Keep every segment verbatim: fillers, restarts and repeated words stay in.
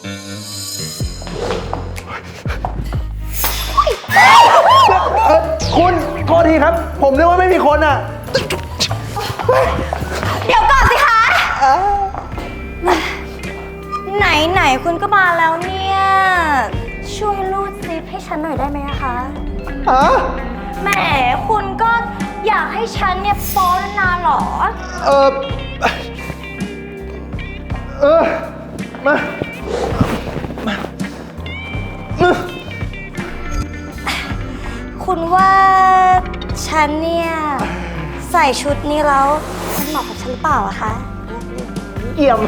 คุณโทษทีครับผมนึกว่าไม่มีคนอ่ะเดี๋ยวก่อนสิคะไหนไหนคุณก็มาแล้วเนี่ยช่วยรูดซิปให้ฉันหน่อยได้ไหมคะฮะแหมคุณก็อยากให้ฉันเนี่ยฟ้อนนานหรอเออเออมามามาคุณว่าฉันเนี่ยใส่ชุดนี้แล้วมันเหมาะกับฉันหรือเปล่าอะคะเยี่ยม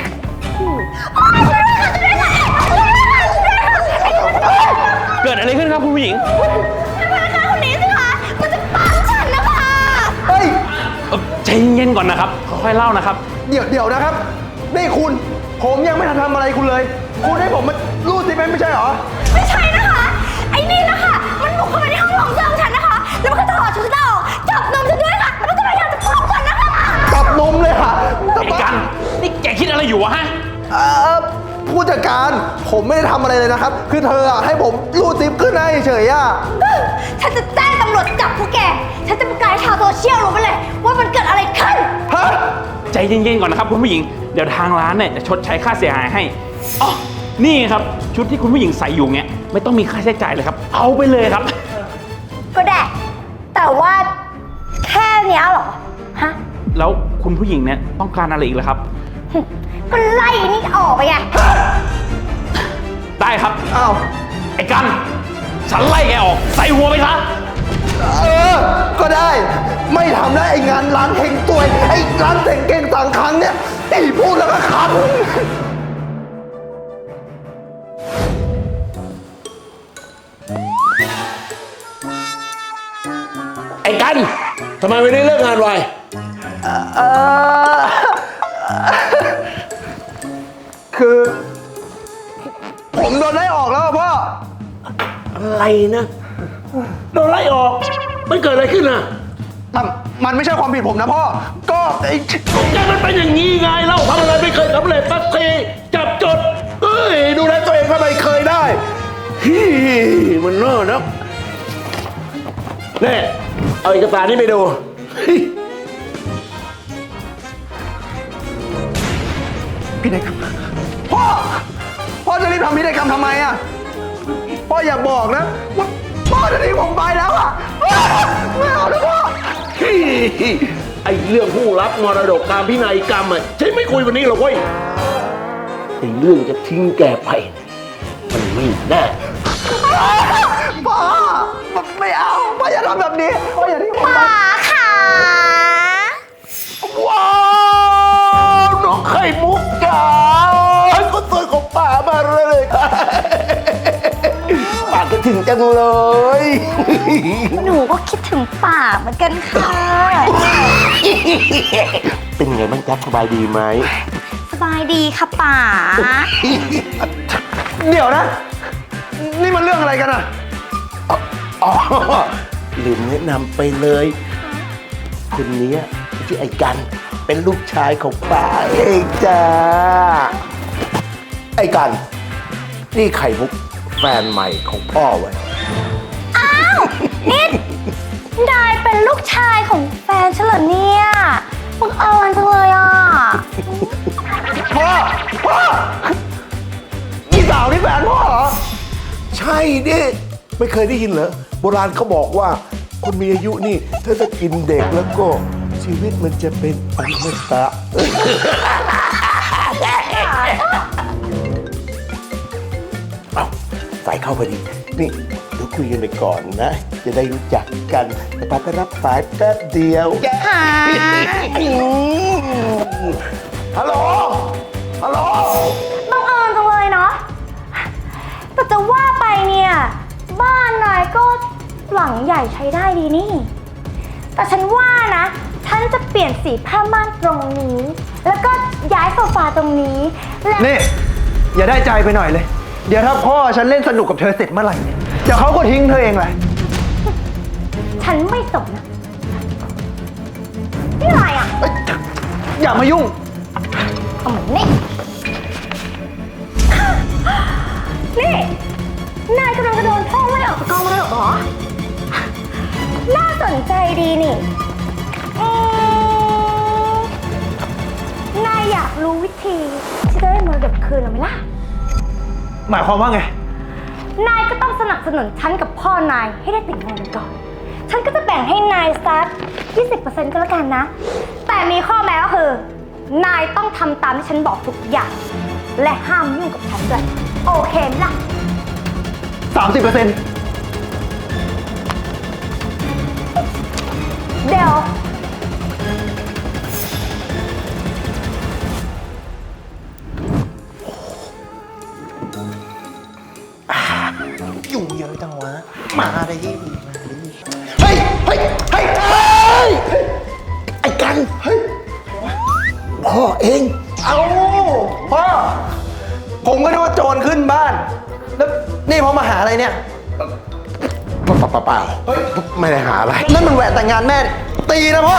เกิดอะไรขึ้นครับคุณผู้หญิงพนักงานคนนี้สิคะมันจะปั้มฉันนะคะเฮ้ยใจเย็นก่อนนะครับค่อยๆเล่านะครับเดี๋ยวเดี๋ยวนะครับนี่คุณผมยังไม่ทันทำอะไรคุณเลยคุณให้ผมมารูดซิปไม่ใช่เหรอไม่ใช่นะคะไอ้นี่นะคะมันบุกเข้ามาในห้องของเสื้อของฉันนะคะแล้วมันก็ถอดชุดฉันออกจับนมฉันด้วยค่ะแล้วมันก็พยายามจะพบฉันนะคะจับนมเลยค่ะไอ้กันนี่แกคิดอะไรอยู่วะฮะผู้จัดการผมไม่ได้ทำอะไรเลยนะครับคือเธออะให้ผมรูดซิปขึ้นให้เฉยอะฉันจะแจ้งตำรวจจับพวกแกฉันจะประกาศให้ชาวโซเชียลรู้ไปเลยว่ามันเกิดอะไรขึ้นฮะใจเย็นๆก่อนนะครับคุณผู้หญิงเดี๋ยวทางร้านเนี่ยจะชดใช้ค่าเสียหายให้อ๋อนี่ครับชุดที่คุณผู้หญิงใส่อยู่เงี้ยไม่ต้องมีค่าใช้จ่ายเลยครับเอาไปเลยครับก็ได้แต่ว่าแค่เนี้ยเหรอฮะแล้วคุณผู้หญิงเนี่ยต้องการอะไรอีกเหรอครับก็ไล่นี่ออกไปไงได้ครับอ้าวไอ้กันฉันไล่แกออกใส่หัวไปซะเออก็ได้ไม่ทำได้ไอ้งานร้านเฮงตัวยไอ้ร้านเต่งเก่งต่างครั้งเนี่ยไอ้พูดแล้วก็ขันไอ้กันทำไมไม่ได้เลิกงานไวเออคือผมโดนไล่ออกแล้วพ่ออะไรนะโดนไล่ออกมันเกิดอะไรขึ้นน่ะมันไม่ใช่ความผิดผมนะพ่อก็ไอ้แกมันเป็นอย่างนี้ไงเล่าทำอะไรไม่เคยสำเร็จสักทีจับจดเอ้ยดูแลตัวเองก็ไม่เคยได้ฮีมันน่านะนี่เอาเอกสารนี้ไปดูพินัยกรรมพ่อพ่อจะรีบทำพินัยกรรมทำไมอ่ะพ่ออย่าบอกนะว่าพ่อจะทิ้งผมไปแล้วอ่ะไม่เอานะพ่อไอ้เรื่องผู้รับมรดกตามพินัยกรรมอ่ะฉันไม่คุยวันนี้หรอกเว้ยไอ้เรื่องจะทิ้งแกไปมันไม่แน่พ่อไม่เอาพ่ออย่าทำแบบนี้พ่ออย่าทิ้งผมไปป๋าค่ะว้าวน้องไข่มุกจ๋าก็สวยของป๋ามาเลยค่ะป๋าก็ถึงจังเลยหนูก็คิดถึงป๋าเหมือนกันค่ะเป็นไงบ้างจ๊ะสบายดีไหมสบายดีค่ะป๋าเดี๋ยวนะนี่มันเรื่องอะไรกันอ่ะอ๋อลืมแนะนำไปเลยคนนี้ชื่อไอ้กันเป็นลูกชายของป๋าเองจ้าไอ้กันนี่ไข่มุกแฟนใหม่ของพ่อไว้อ้าวนี่นายเป็นลูกชายของแฟนฉันเหรอเนี่ยบังเอิญจังเลยอ่ะพ่อพ่อนี่สาวนี่แฟนพ่อเหรอใช่ดิไม่เคยได้ยินเหรอโบราณเขาบอกว่าคนมีอายุนี่ถ้าจะกินเด็กแล้วก็ชีวิตมันจะเป็นอมตะเอาสายเข้าพอดีนี่เดี๋ยวคุยกันไปก่อนนะจะได้รู้จักกันแต่ป้าไปรับสายแป๊บเดียวฮัลโหลฮัลโหลบังเอิญจังเลยเนาะแต่จะว่าไปเนี่ยบ้านนายก็หลังใหญ่ใช้ได้ดีนี่แต่ฉันว่านะฉันจะเปลี่ยนสีผ้าม่านตรงนี้แล้วก็ย้ายโซฟาตรงนี้และนี่อย่าได้ใจไปหน่อยเลยเดี๋ยวถ้าพ่อฉันเล่นสนุกกับเธอเสร็จเมื่อไหร่เนี่ยเดี๋ยวเขาก็ทิ้งเธอเองแหละฉันไม่สนนะนี่อะไรอ่ะอย่ามายุ่งเอาเหมือนนี่นี่ นายกำลังจะโดนพ่อไล่ออกจากกองมรดกเหรอ น่าสนใจดีนี่อืมนายอยากรู้วิธีที่จะได้มรดกคืนหรือไม่ล่ะหมายความว่าไงนายก็ต้องสนับสนุนฉันกับพ่อนายให้ได้ติดงานกันก่อน ฉันก็จะแบ่งให้นายสัก ยี่สิบเปอร์เซ็นต์ ก็แล้วกันนะ แต่มีข้อแม้ก็คือ นายต้องทำตามที่ฉันบอกทุกอย่าง และห้ามยุ่งกับฉันด้วย โอเคไหมล่ะสามสิบเปอร์เซ็นต์เดี๋ยวยุ่งเยอะจังวะ มาได้ยี่มาดิเฮ้ย เฮ้ย เฮ้ย เฮ้ยไอ้กัน เฮ้ย พ่อเองเอาพ่อ ผมก็นึกว่าโจรขึ้นบ้าน แล้วนี่พ่อมาหาอะไรเนี่ยเปล่าเปล่าเปล่าไม่ได้หาอะไรนั่นมันแหวนแต่งงานแม่ ตีนะพ่อ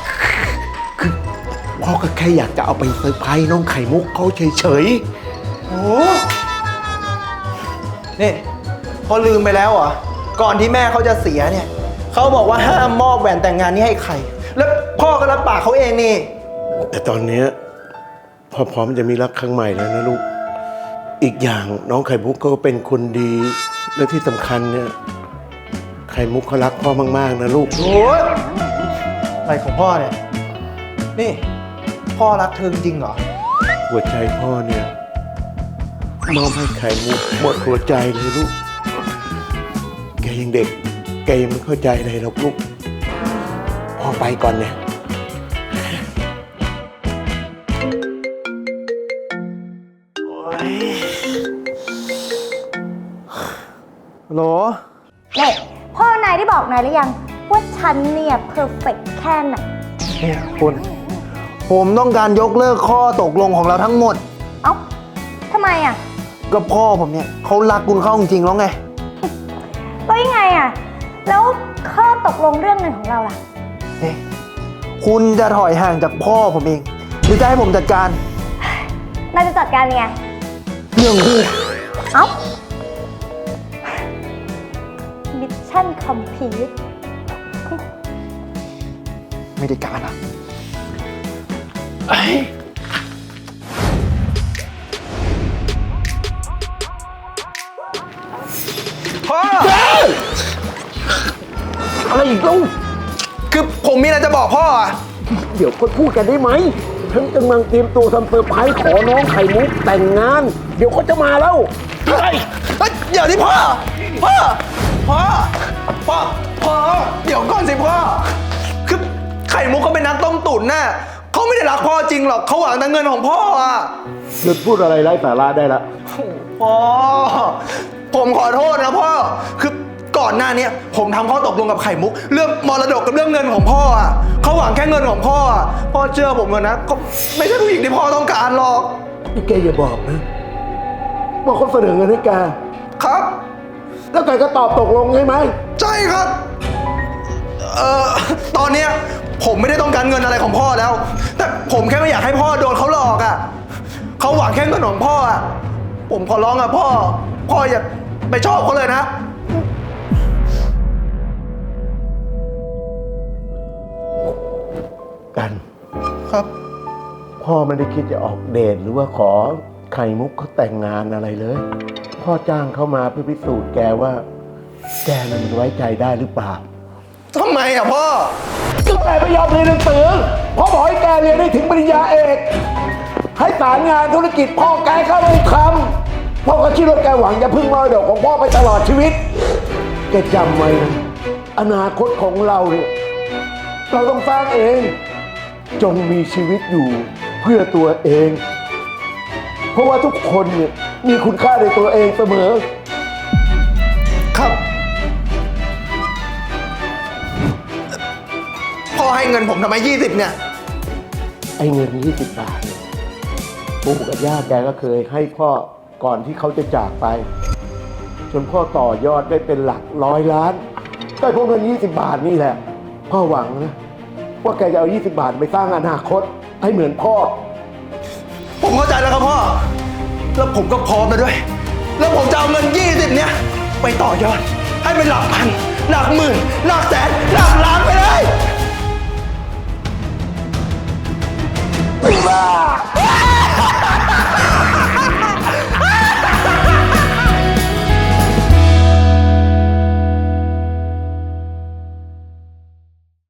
พ่อก็แค่อยากจะเอาไปเซอร์ไพรส์น้องไข่มุกเขาเฉยโอ้นี่พอลืมไปแล้วเหรอ ก่อนที่แม่เขาจะเสียเนี่ย เขาบอกว่าห้ามมอบแหวนแต่งงานนี้ให้ใคร แล้วพ่อก็รับปากเขาเองนี่ๆ แต่ตอนเนี้ยพ่อพร้อมจะมีรักครั้งใหม่แล้วนะลูก อีกอย่างน้องไข่มุกก็เป็นคนดี และที่สำคัญเนี่ย ไข่มุกเขารักพ่อมากๆนะลูกโอ้ยอะไรของพ่อเนี่ย นี่ พ่อรักเธอจริงเหรอหัวใจพ่อเนี่ยมอบให้ไข่มุกหมดหัวใจเลยลูก แกยังเด็ก แกยังไม่เข้าใจเลยหรอกลูก พ่อไปก่อนเนี่ยโหลนี่ พ่อนายได้บอกนายหรือยัง ว่าฉันเนี่ยเพอร์เฟกแค่ไหนเนี่ยคุณ ผมต้องการยกเลิกข้อตกลงของเราทั้งหมดเอ้าทำไมอ่ะก็พ่อผมเนี่ยเขารักคุณเข้าจริงๆแล้วไงแล้วยังไงอ่ะ แล้วข้อตกลงเรื่องเงินของเราล่ะเอ๊ะคุณจะถอยห่างจากพ่อผมเอง หรือจะให้ผมจัดการนายจะจัดการยังไงเรื่องคู่เอ้า มิชชั่นคอมพลีทไม่ได้การอ่ะพ่ออะไรอีกลูกคือผมมีอะไรจะบอกพ่ออ่ะเดี๋ยวก็พูดกันได้ไหมฉันกำลังเตรียมตัวทำเซอร์ไพรส์ขอน้องไข่มุกแต่งงาน เดี๋ยวเขาจะมาแล้วเฮ้ยเฮ้ยเดี๋ยวที่พ่อ พ่อ พ่อ พ่อ พ่อ เดี๋ยวก่อนสิพ่อ คือไข่มุกเขาเป็นนักต้มตุ๋นน่ะเขาไม่ได้รักพ่อจริงหรอกเขาหวังแต่เงินของพ่ออ่ะหยุดพูดอะไรไร้สาระได้ละพ่อ ผมขอโทษนะพ่อ คือก่อนหน้านี้ผมทำข้อตกลงกับไข่มุก เรื่องมรดกกับเรื่องเงินของพ่ออ่ะเขาหวังแค่เงินของพ่ออ่ะพ่อเชื่อผมเลยนะเขาไม่ใช่ผู้หญิงที่พ่อต้องการหรอกนี่แกอย่าบอกนะว่าเขาเสนอเงินให้แกครับแล้วแกก็ตอบตกลงใช่ไหมใช่ครับ เอ่อ ตอนเนี้ยผมไม่ได้ต้องการเงินอะไรของพ่อแล้ว แต่ผมแค่ไม่อยากให้พ่อโดนเขาหลอกอ่ะเขาหวังแค่เงินของพ่ออ่ะผมขอร้องอ่ะพ่อ พ่ออย่าไปชอบเขาเลยนะกันครับพ่อไม่ได้คิดจะออกเดทหรือว่าขอไข่มุกเขาแต่งงานอะไรเลย พ่อจ้างเขามาเพื่อพิสูจน์แกว่า แกน่ะมันไว้ใจได้หรือเปล่าทำไมอ่ะพ่อก็แกไม่ยอมเรียนหนังสือพ่อบอกให้แกเรียนได้ถึงปริญญาเอก ให้สารงานธุรกิจพ่อแกเข้าไปทำพ่อก็คิดว่าแกหวังจะพึ่งมรดกของพ่อไปตลอดชีวิต แกจำไว้นะอนาคตของเราเนี่ยเราต้องสร้างเอง จงมีชีวิตอยู่เพื่อตัวเอง เพราะว่าทุกคนเนี่ยมีคุณค่าในตัวเองเสมอครับ พ่อให้เงินผมทำไมยี่สิบเนี่ยไอ้เงินยี่สิบบาทเนี่ยปู่กับย่าแกก็เคยให้พ่อก่อนที่เขาจะจากไป จนพ่อต่อยอดได้เป็นหลักร้อยล้านได้พวกเงินยี่สิบบาทนี่แหละ พ่อหวังนะว่าแกจะเอายี่สิบบาทไปสร้างอนาคตให้เหมือนพ่อผมเข้าใจแล้วครับพ่อ แล้วผมก็พร้อมแล้วด้วยแล้วผมจะเอาเงินยี่สิบเนี้ยไปต่อยอด ให้เป็นหลักพัน หลักหมื่น หลักแสน หลักล้านไปเลยบ้า